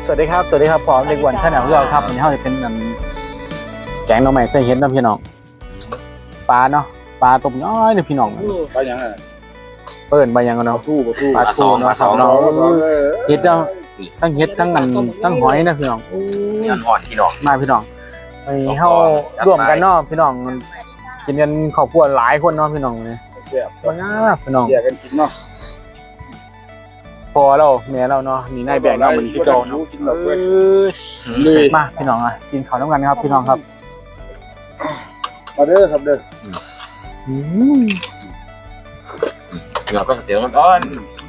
วัสดีครับพร้อมเด็กวันชาแนลของเราครับวันนี้เราจะเป็นแกงหน่อไม้ใส่เห็ดนะพี่น้องปลาเนาะปลาต้มน้อยเนี่ยพี่น้องปลาอย่างไรเปิดใบยังกันเนาะปลาทูเนาะเนาะเห็ดเนาะทั้งเห็ดทั้งทั้งหอยนะพี่น้องงานอ่อนพี่น้องมาพี่น้องไปเข้าร่วมกันเนาะพี่น้องกินกันครอบครัวหลายคนเนาะพี่น้องเลยแซ่บว้าพี่น้องแยกกันกินเนาะพอเราแม่เราเนาะนี่นายแบกเนาะมันคือโจเนาะมาพี่น้องอ่ะกินข้าวน้ำกันครับพี่น้องครับมาเด้อครับเด้อเราต้องเสียงมันอ่อน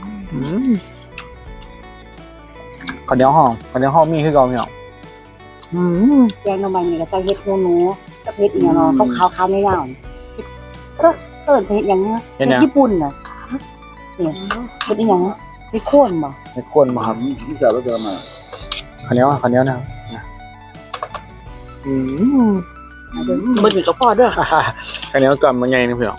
ข้าวเหนียวห้องมีคือเก่าพี่น้องแกงหน่อไม้นี่ก็ใส่เห็ดหนูกับเห็ดอีกเนาะขาวๆไม่ยาวก็เอิ้นเห็ดอย่างเงี้ยเห็ดญี่ปุ่นน่ะเนี่ยเห็ดอีหยังเห็ดโคนบ่เห็ดโคนบ่ครับที่จะแล้วเดินมาข้าวเหนียวนะครับบ่มีกับพ่อเด้อข้าวเหนียวก่อนมันใหญ่นี่พี่น้อง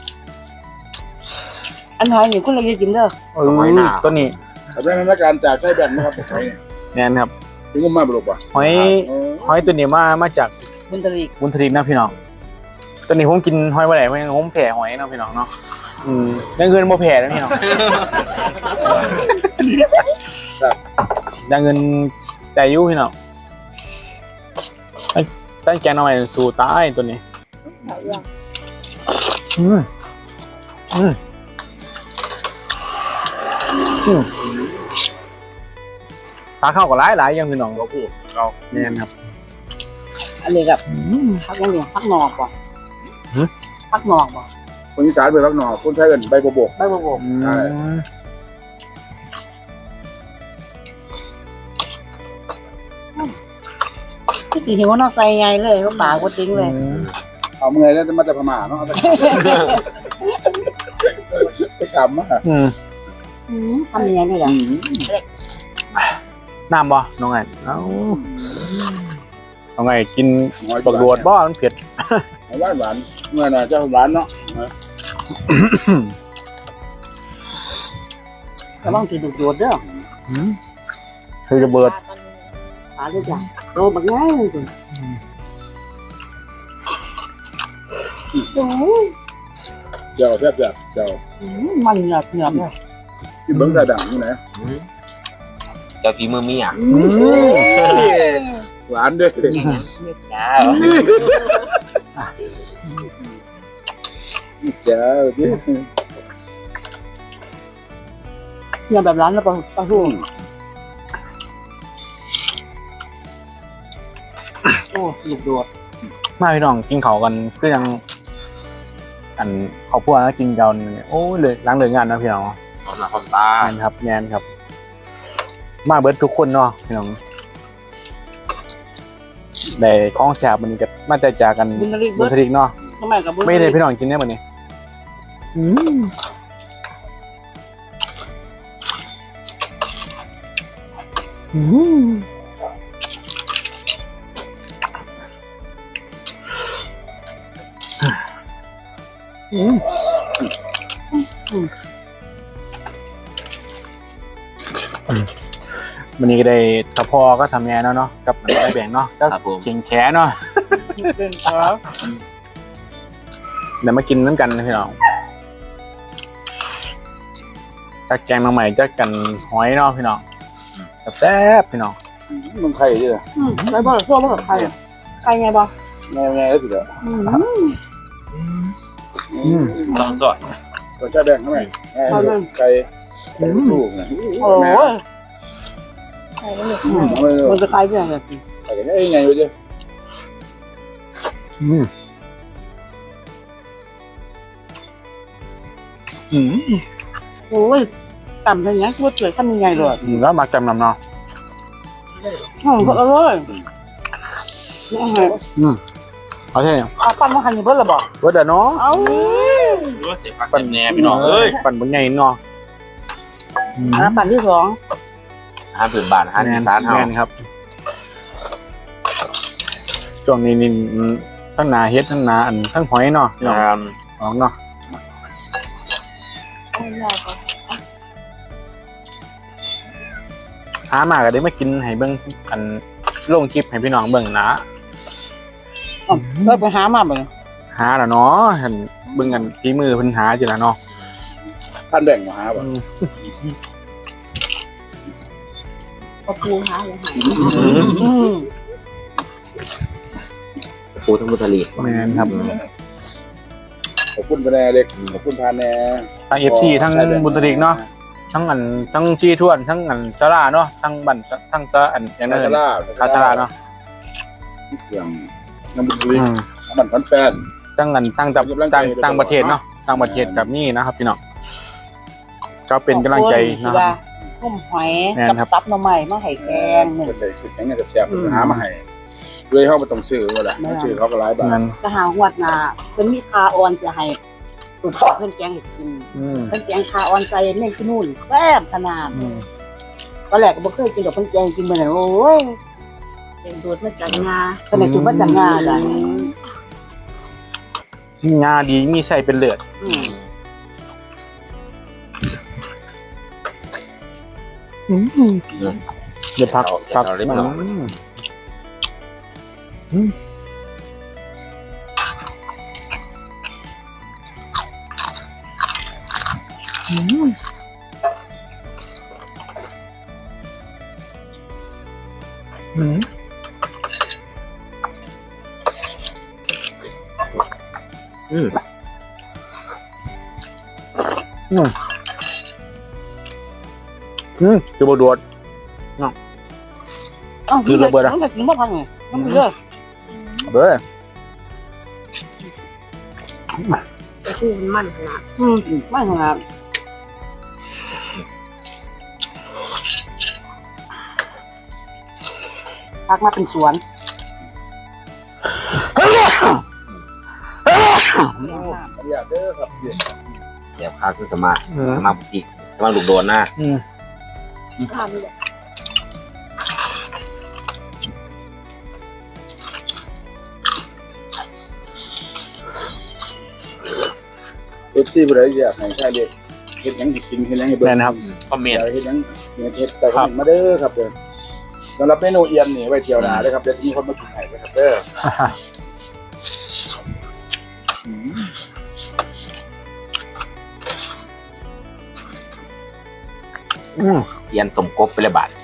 อันหอยนี่คนละกินเด้อต้นนี้เป็นนักการจากใช้แบนนะครับแน่นครับถึงก็มาบลุกป่ะหอยตัวนี้มาจากบุญทรีนะพี่น้องตัวนี้ผมกินหอยบ่ได้ผมแผ่หอยนะพี่น้องเนาะได้เงินบ่แผ่นะพี่น้องได้เงินแต่ยุ่พี่น้องตั้งแกงหน่อยสู่ตายตัวนี้ตาเข้ากับหลายอย่างพี่น้องเราพูดเราแน่นครับอันนี้กับพักยังเนี่ยพักหนอกบ่พักหนอกบ่คนอีสานเป็นพักหนอกคนไทยกันใบโบกใช่ที่สิหิวเนาะใส่ไงเลยก็ปากก็ติ้งเลยเอาเมื่อยแล้วจะมาจากพม่าเนาะไปกำมาทำยังไงนี่ล่ะน้ำบ่น้องไงน้องไงกินบักโดดบ่มันเผ็ดหวานเมื่อน่ะจะหวานเนาะกำลังจะดูดเด้อคือระเบิดปลาด้วยจ้ะโตบักง่ายเลยเจ้าแซ่บเจ้ามันเหนียวเลยกินเบิ้งกระดังนี่นะเจ้าฝีมือมีอ่ะหวานด้วยเจ้าดิเนี่ยแบบร้านแล้วปลาทูโอ้ลูกโดดมาพี่น้องกินเขากันก็ยังอันขอบพวกนะกินกันโอ้เลยล้างเลยงานนะพี่น้องความตาครับแนนครับมาเบิร์ดทุกคนเนาะพี่น้องได้คล้องแฉบมันก็มาแต่จากกันบุญทริกเนาะไม่ได้พี่น้องกินเนี่ยมันนี่วันนี้ก็ได้ตะพอก็ทำงานเนาะกับได้แบ่งเนาะก็เก่งแขนเนาะเดี๋ยวมากินน้ำกันนะพี่น้องถ้าแกงน้องใหม่จะกันหอยเนาะพี่น้องแซ่บพี่น้องมึงไข่ดิไข่บ่ซ่วมกับไข่ไงบ่ไงแล้วสิเด้อต้องสดก็จะแบ่งเท่าไหร่ไก่ลูกนะโอ้ยมันจะคล้ายกันเลยไก่กันไงวะเจ้โอ้ยต่ำอย่างเงี้ยพูดสวยทำยังไงเลยแล้วมาจำนำเนาะก็อร่อยเอาใช่เนี่ยปั้นมาหันนี่เบิ้ลหรอบอกเบิ้ลเนาะว่าเสียผักเสียแหนพี่น้องปั่นบนใหญ่เนาะปั่นที่2 ผืนบาทสารเท่าครับช่วงนี้นี่ทั้งนาเฮ็ดทั้งนาอันทั้งหอยเนาะของเนาะหามาก็ได้มากินให้เบิ่งกันลงคลิปให้พี่น้องเบิ่งนะก็ไปหามาบ่หาแล้วเนาะเห็นเบิ่งกันฝีมือเพิ่นหาอยู่แล้วเนาะท่านแบ่งมาหาบ่ก็ปูหาเลยหาปูทั้งบุตรีแม่นครับขอบคุณพะแนเด็กขอบคุณพาแนทั้ง FC ทั้งบุตริกเนาะทั้งชีทวนทั้งจราเนาะทั้งบันทั้งจะอย่างนั้น คาชราเนาะเครื่องน้ำบุรีน้ำมันพันแปดตั้งต่างประเทศเนาะต่างประเทศกับนี่นะครับพี่น้องก็เป็นกำลังใจนะครับต้มหอยกับตับหน่อไม้มาให้แกงเป็นเลยสุดแข็งแซ่บๆหามาให้ด้วยเขาไม่ต้องซื้อว่าล่ะซื้อเขาก็หลายบาทนั้นจะหาหวดนาเป็นมีคาออนจะให้ตุ่มเพิ่นแกงให้กินเพิ่นแกงคาออนใจแม่งที่นู่นแซ่บขนาดตอนแรกก็บ่เคยกินดอกเพิ่นแกงกินมื้อนั้นโอ้ยแกงโดดมาจากงาเพิ่นได้กินมาจากงาจ้ะงาดีมีใส่เป็นเลือดเดี๋ยวพักจะบดวด คือระเบิดอะมันกินบ่พังไงมันเด้อเบ้อคือมันขนาดมันขนาดพักมาเป็นสวนอยากเด้อครับเสียบข้าวคือสมาบุตรีสมาลูกโดนหน้าข้าวนี่แหละเอฟซีบ่ได้อยากให้ใช้เด็กเฮ็ดหยังให้กินเฮ็ดหยังให้เบิ่แน่งนะครับคอมเมนต์เฮ็ดหยังเฮ็ดแต่ก็มาเด้อครับเด้อสำหรับเมนูเอียนนี่ไว้เที่ยวหน้าเด้อครับเดี๋ยวจะมีคนมากินให้ครับเด้อเย็นสมกบไปเลยบาท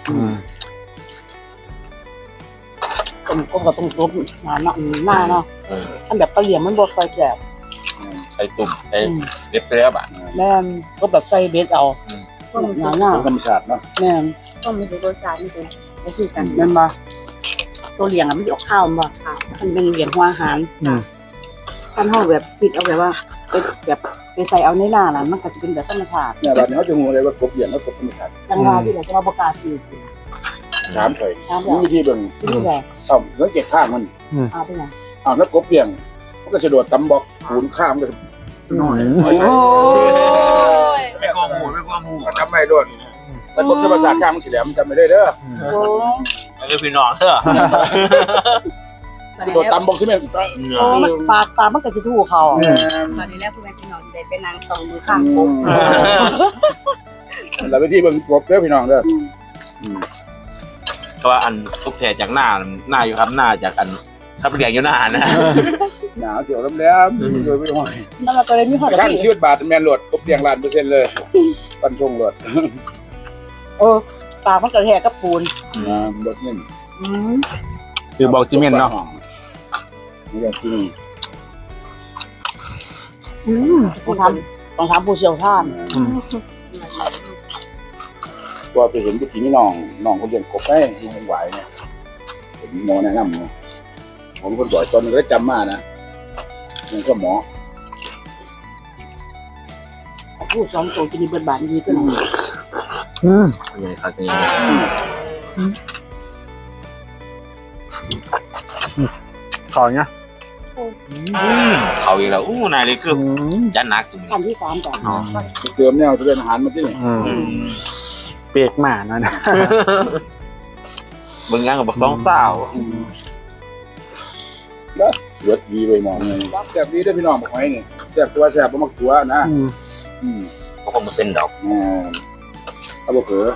ต้มก็ต้องซุปหน้าเนาะอันแบบกะเหรี่ยงมันบ่ค่อยแซ่บใส่ตุ่มใส่เล็บไปเลยบาทแม่นก็แบบใส่เบสเอาหน้าเป็นธรรมชาติเนาะแม่นต้องมีรสชาตินี่เป็นก็คือกันแม่นบ่ตัวเหลียงมันสิออกข้าวบ่มันเป็นเหลียงหัวอาหารท่านเฮาแบบคิดเอาแบบว่าแบบไปใส่เอาในหน้าน่ะมันก็จะเป็นแบบธรรมชาติเนี่ยบัดนี้เขาจะฮู้เลยว่ากบเอียนแล้วกบธรรมชาติจังว่าที่เราจะบ่กล้าซื้อถามเคยถามมีวิธีเบิ่งที่แหละสังเกตข้างมันเอาไปไหนแล้วกบเอียงมันก็จะโดดตำบอกหูนข้ามก็น้อยไม่กลัวหมูไม่กลัวหมูจำไม่โดนแล้วกบธรรมชาติข้างมันสิแหลมจำไม่ได้เด้อโอ้ไม่พี่น้องเถอะโดดตำบอกที่แม่นมันปากมันก็จะถูกเขาตอนนี้แล้วคุณแม่พี่น้องได้เป็นนางสองมือข้างกบแล้ววิธีเบิ่งกบเด้อพี่น้องเด้อเพราะว่าอันทุกแทจากหน้าอยู่ครับหน้าจากอันครับเรียงอยู่หน้านะหนาวเจียวแหลมๆโดยไม่ห้อยแล้วมันก็เลยมีหอดข้างชีวิตบาทแม่นโหลดกบเอียง1,000%เลยปันทงโหลดปากมันก็แหกกับปูนบดเงินคือบอกจิเมนเนาะนี่ก็จริงต้องทำผู้เชี่ยวชาญตัวไปเห็นที่พี่น้องคนเลี้ยงกบได้ดูมันไหวเนี่ยผมหมอแนะนำเนี่ยผมคนบ่อยตอนนึงก็จำมานะมันก็หมอผู้สอนโตจะมีบทบาทดีขึ้นยังครับยังขอเนี้ยเขาอีกแล้วนายเลยคือจันนักจุ่มขั้นที่3ก่อนเติมแนวจะเป็นอาหารมาที่นี่เปียกหมานะมึงยังกับบักสองสาวเลือดดีไปหมอเนี่ยแซ่บดีได้พี่น้องบอกไว้นี่แซ่บตัวแซ่บบ่มักตัวนะก็คงมันเป็นดอกเอาบ่เผลอ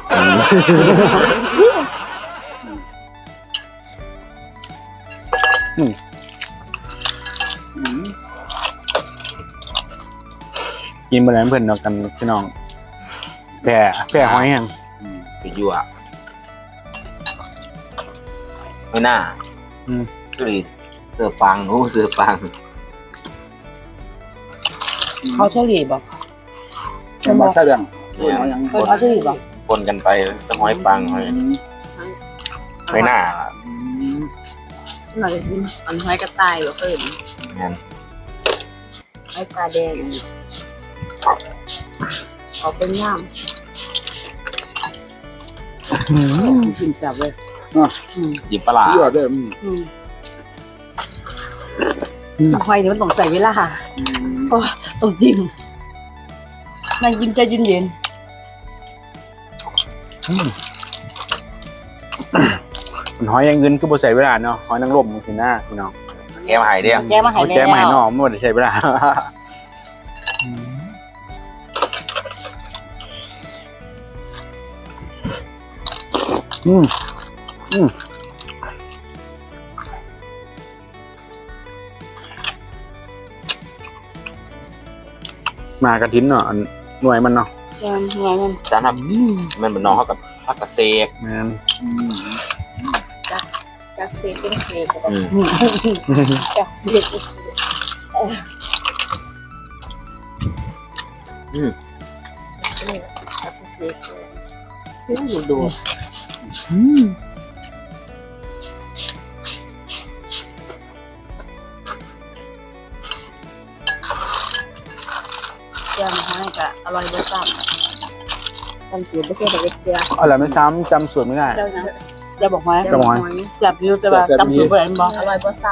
กินมาแล้วเพื่อนเดียวกันพี่น้องแผ่หอยแห้งไปยั่วไม่น่าสุริเสือปังโอ้เสือปังเขาเฉลี่ยบอกจะมาแค่ยังเนี่ยยังเขาเฉลี่ยบอกคนกันไปต้องหอยปังหอยไม่น่าหน่อยกินอันหอยกระต่ายก็เพิ่มงั้นหอยตาแดงเอาเป็นย่ามกินจับเลยจิบปลาที่ว่าได้หอยนี่มันต้องใส่เวลาโอ้ต้องจิ้มนั่งกินใจเย็นหอยอย่างอื่นก็บ่ใส่เวลาเนาะหอยนางรมสิหน้าพี่น้องแกมาหายเดียวๆแกมาให้เขาแล้วแก้มาให้น้องไม่ได้ใช้เวลามากระทิ้นเนาะอันหน่วยมันเนาะแกงหอยมันจานครับมันเป็นน้องเขากับพักกระเซกแม่นจากเศษเป็นเศษจากเสียดจากเศษดูแกงหอยก็อร่อยเบอร์ซ้ำกันสูตรไม่ใช่แบบเดียวอะไรไม่ซ้ำจำสูตรไม่ได้เจ้านะจะบอกหอยจะบอกหอยจับอยู่จะว่าจำตัวบ่ได้บ่อร่อยเบอร์ซ้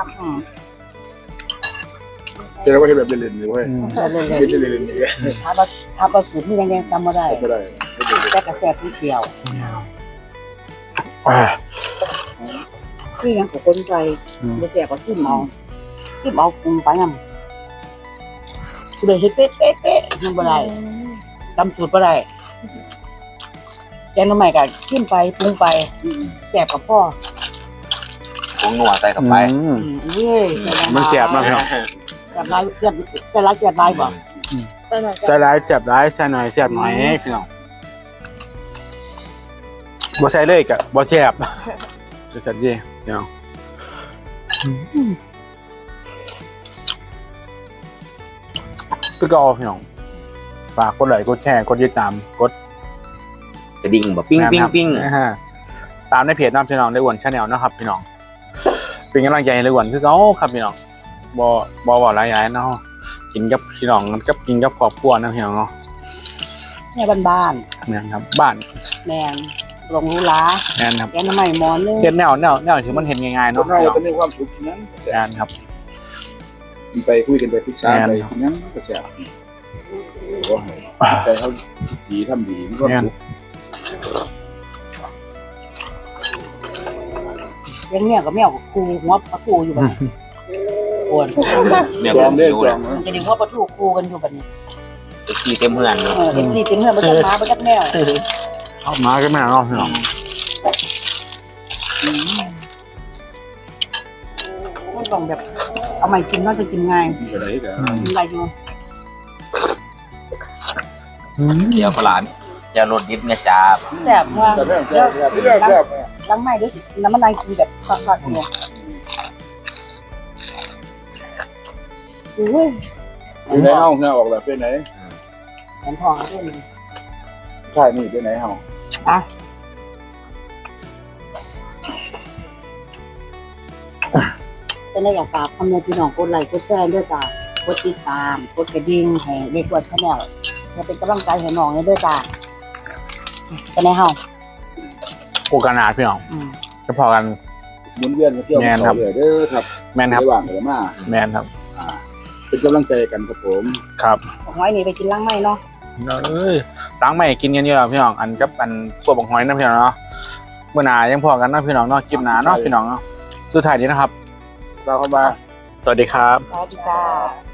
จะได้ว่าเห็นแบบเล่นๆเลยเว้ยเลยเล่นๆเลยถ้าประสูตรที่แดงๆจำบ่ได้ไม่ได้แต่กระแสที่เดียวอ่าคือยังกับคนใจกระแสก็จิ้มเอาปรุงไปนำเลยเฮ็ดเป๊ะๆยังบ่ได้จำสูตรบ่ได้แกงหน่อไม้ก็จิ้มไปปรุงไปแซ่บกับพ่อผงนัวใส่เข้าไปเว้ยมันเสียบมากพี่น้องแซ่บหลายแซ่บแต่ละแซ่บหลายบ่ำไปหน่อยใจร้ายเจ็บร้ายใส่หน่อยเสียบหน่อยพี่น้องบ่ใส่เลยกะบ่แซ่บจะสัตว์ยี่พี่น้องก็ก็พี่น้องฝากกดไลค์กดแชร์กดติดตามกดกระดิ่งแบบปิ้งปิ้งปิ้งนะฮะตามในเพจน้ำพี่น้องได้อ้วนชาแนลนะครับพี่น้องเป็นกำลังใจให้ได้อ้วนคือเขาครับพี่น้องบ่หลายอย่างเนาะกินกับพี่น้องกับกินกับครอบครัวนะพี่น้องเนาะแม่บ้านแม่นครับบ้านๆแม่นลงรู้ลาแม่นครับแกงหน่อไม้หมอนนึงเฮ็ดแนวที่มันเห็นง่ายๆคนเนาะเราพี่น้องจะมีความสุขนั้นแม่นครับไปคุยกันไปปรึกษาไปนั้นก็แซ่บใจเขาดีทำดีมันก็แม่นเลี้ยงแมวกับแมวกับคูหัวปลาทูอยู่บัดนี้ปวดเนี่ยจก็องได้ดูจเลอย งมันจะดึงหัวปลาทูคูกันอยู่บัดนี้เอ็กซี่เต็มเพื่อนเลยเอ็นซีเต็มเหือนบ่จักหมาบ่จักแมวเอามาก็แม่นเนาะพี่น้องมันต้องแบบเอาใหม่กินน่าจะกินง่ายอะไรกันมีอะไรอยู่เดี๋ยวปลาจะรสดิบเนี่ยจ้าแซ่บว่าแต่แม่แซ่บแซ่บล้างไม้ด้วยสิน้ำมันนายกินแบบฟักๆเนี่ยโอ้ยอยู่ในห้องเนี่ยออกแบบเป็นไหนแขนทองด้วยนี่ใช่นี่เป็นไหนห้องเป็นได้อยากฝากคำเนยพี่น้องกดไลค์กดแชร์ด้วยจ้ากดติดตามกดกระดิ่งให้เด็กวัดชาแนลเพื่อเป็นกำลังใจให้น้องด้วยจ้าเป็นไงเฮาโอกาสหนาพี่น้องจะพอกันหมุนเวียนเที่ยวต่อเลยเด้อครับแม่นครับระหว่างเลยมาแม่นครับเป็นกำลังใจกันครับผมครับหอยนี่ไปกินล้างไม้เนาะเอ้ยล้างใหม่กินกันอยู่แล้วพี่น้องอันกับอันพวกบักหอยนะพี่น้องเนาะเมื่อหนายังพอกันเนาะพี่น้องเนาะคลิปหนาเนาะพี่น้องเนาะสุดท้ายนี้นะครับเราเข้ามาสวัสดีครับสวัสดีจ้า